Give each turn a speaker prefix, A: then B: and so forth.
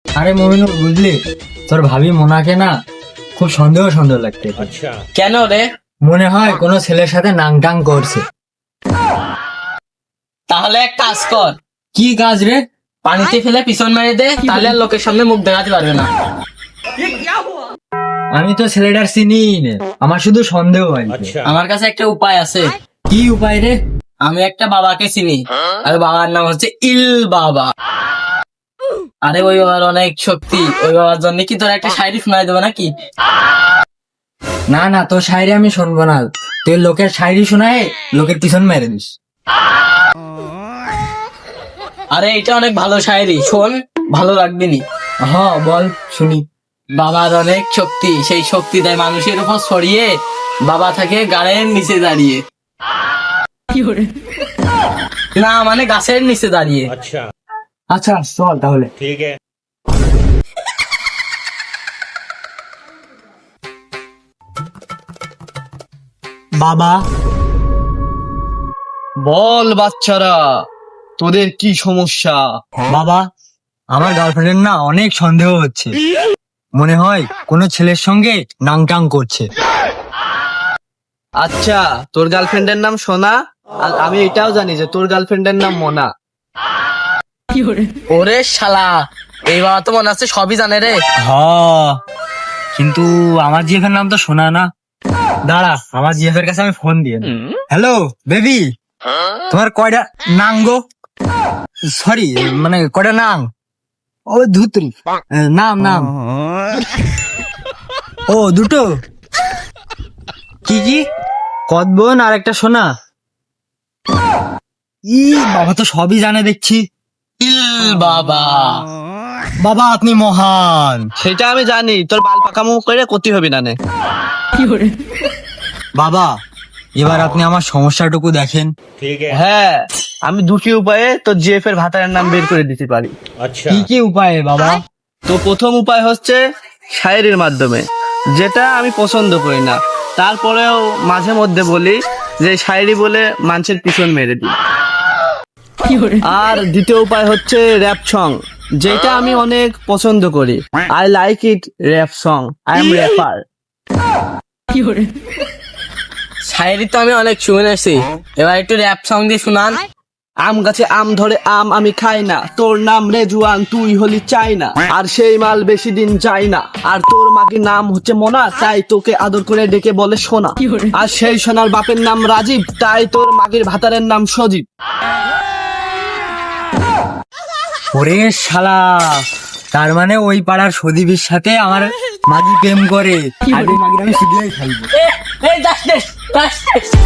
A: আরে মমিনুল, বুঝলি তোর ভাবি মোনাকে না খুব সন্দেহ সন্দেহ লাগতে।
B: কেন রে?
A: মনে হয় কোনো ছেলের সাথে নাং টাং করছে।
B: তাহলে এক কাজ কর,
A: কি কাজ রে?
B: পানিতে ফেলে পিছন মেরে দে, তাহলে আর লোকের সামনে মুখ দেখাতে পারবে না।
A: আমি তো ছেলেটার চিনি না, আমার শুধু সন্দেহ হয়।
B: আমার কাছে একটা উপায় আছে।
A: কি উপায় রে?
B: আমি একটা বাবাকে চিনি, আর বাবার নাম হচ্ছে ইল বাবা। আরে ওই বাবার অনেক শক্তি, ওই বাবার জন্য কি তোর একটা শায়রি শোনাই দেবো নাকি?
A: না না, তোর শায়রি আমি শুনবো না। তুই লোকের শায়রি শোনায় লোকের পিছন মেরে দিস।
B: আরে এটা অনেক ভালো শায়রি, শোন, ভালো লাগবে নি।
A: হ, বল শুনি।
B: বাবার অনেক শক্তি, সেই শক্তি দেয় মানুষের উপর ছড়িয়ে, বাবা থাকে গাড়ের নিচে দাঁড়িয়ে। না মানে গাছের নিচে দাঁড়িয়ে।
A: আচ্ছা চল তাহলে। বাবা,
C: বল বাচ্চারা, তোদের কি সমস্যা?
A: বাবা, আমার গার্লফ্রেন্ডের না অনেক সন্দেহ হচ্ছে। মনে হয় কোনো ছেলের সঙ্গে নাং টাং করছে।
C: আচ্ছা, তোর গার্লফ্রেন্ডের নাম সোনা, আর আমি এটাও জানি যে তোর গার্লফ্রেন্ডের নাম মোনা।
B: ওরে শালা, এই বাবা তো মনে আছে সবই জানে রে।
A: হ, কিন্তু আমার জিএফের নাম তো শোনা না। দাঁড়া, আমার জিএফের কাছে আমি ফোন দিয়ে। হ্যালো বেবি, তোমার কয়টা নাং গো? সরি, মানে কয়টা নাং? ও ধুত্রি, নাম নাম। ও দুটো। কি কি? কদবন আর একটা সোনা। ই বাবা তো সবই জানে দেখছি।
B: ইল বাবা।
A: বাবা আপনি মহান।
C: সেটা আমি জানি, তোর বাল পাকামো করে ক্ষতি হবে না নে।
A: বাবা, এবার আপনি আমার সমস্যাটুকু দেখেন।
C: হ্যাঁ, আমি দুটি উপায়ে তোর জিএফ এর ভাতারের নাম বের করে দিতে পারি।
A: কি কি উপায়ে বাবা?
C: তো প্রথম উপায় হচ্ছে শায়েরির মাধ্যমে, যেটা আমি পছন্দ করি না, তারপরেও মাঝে মধ্যে বলি যে শায়েরি বলে মানুষের পিছন মেরে দিই। আর দ্বিতীয় উপায় হচ্ছে র্যাপ সং, যেটা আমি অনেক পছন্দ করি। I like it rap song, I am rapper.
B: শায়রি তো আমি অনেক শুনেছি, এবার একটু র্যাপ সং দিয়ে শুনান।
C: আম গাছে আম ধরে আম আমি খাই না, তোর নাম রেজুয়ান, তুই হলি চাইনা, আর সেই মাল বেশি দিন যায় না, আর তোর মাকে নাম হচ্ছে মোনা, তাই তোকে আদর করে ডেকে বলে সোনা, আর সেই সোনার বাপের নাম রাজীব, তাই তোর মাগির ভাতারের নাম সজীব।
A: ওরে শালা, তার মানে ওই পাড়ার সদীপের সাথে আমার মাগি প্রেম করে, আর ওই মাগির আমি শুধুই খাইবো।
B: এই যাস